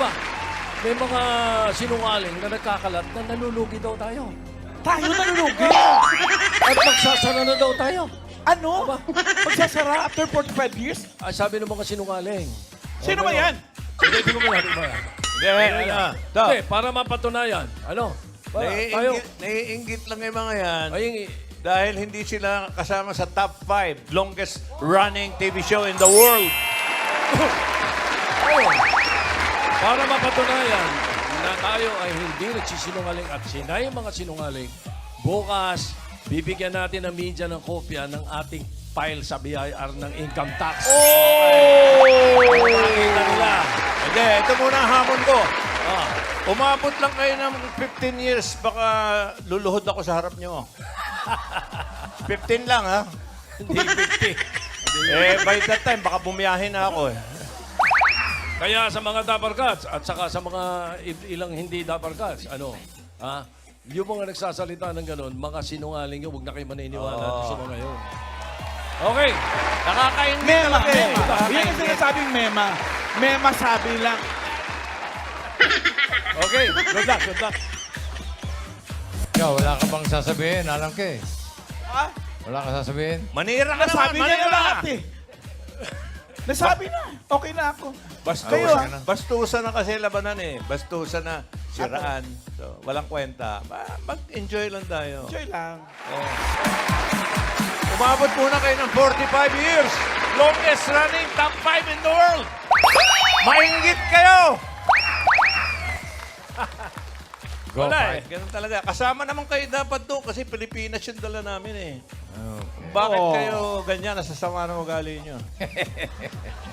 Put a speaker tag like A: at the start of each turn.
A: Aba, may mga sinungaling na nagkakalat na nalulugi daw tayo.
B: Tayo nalulugi.
A: At magsasara na daw tayo.
B: Ano?
A: Aba.
B: Magsasara after 45 years?
A: Ay, sabi ng mga sinungaling.
B: Sino ba yan?
A: Hindi ko mo yan. Hindi, para mapatunayan. Ano? Tayo.
C: Naiinggit lang yung mga yan.
A: Ay,
C: Dahil hindi sila kasama sa top 5 longest running TV show in the world.
A: oh, para mapatunayan na tayo ay hindi nagsisinungaling at sila yung mga sinungaling, bukas, bibigyan natin ng media ng kopya ng ating file sa BIR ng income tax. Makita nila.
C: Hindi, ito muna ang hamon ko.
A: Ah,
C: Umabot lang kayo ng 15 years, baka luluhod ako sa harap nyo. 15 lang, ha?
A: hindi 50.
C: By that time, baka bumiyahin na ako, eh.
A: Kaya sa mga Dapper Cats at saka sa mga ilang hindi Dapper Cats, yung mga nagsasalita ng ganun, mga sinungaling yun, huwag na kayo maniniwala sa mga yun. Okay.
C: Nakakaingit
B: Mema,
C: talaga, eh.
B: mema. Yan ang
C: Nakakaingit.
B: sinasabing mema. Mema sabi lang.
A: Okay. Good luck, good luck.
D: Ikaw, wala ka bang sasabihin? Alam ka eh.
B: Ha?
D: Wala ka sasabihin?
C: Manira ka
B: Nasabi
C: naman,
B: niya na
C: manira.
B: lahat eh. Nasabi na. Okay na ako. Kayo, ah.
C: Bastusan na kasi labanan, eh. Bastusan na siraan. So, walang kwenta. Mag-enjoy lang tayo.
B: Enjoy lang.
C: Umabot muna kayo ng 45 years. Longest running top 5 in the world. Maingit kayo.
D: Go,
C: Wala,
D: fight.
C: Ganun talaga. Kasama naman kayo dapat doon kasi Pilipinas yung dala namin, eh.
D: Okay.
C: Bakit
B: Oo.
C: kayo ganyan? Nasasama ng ugali nyo.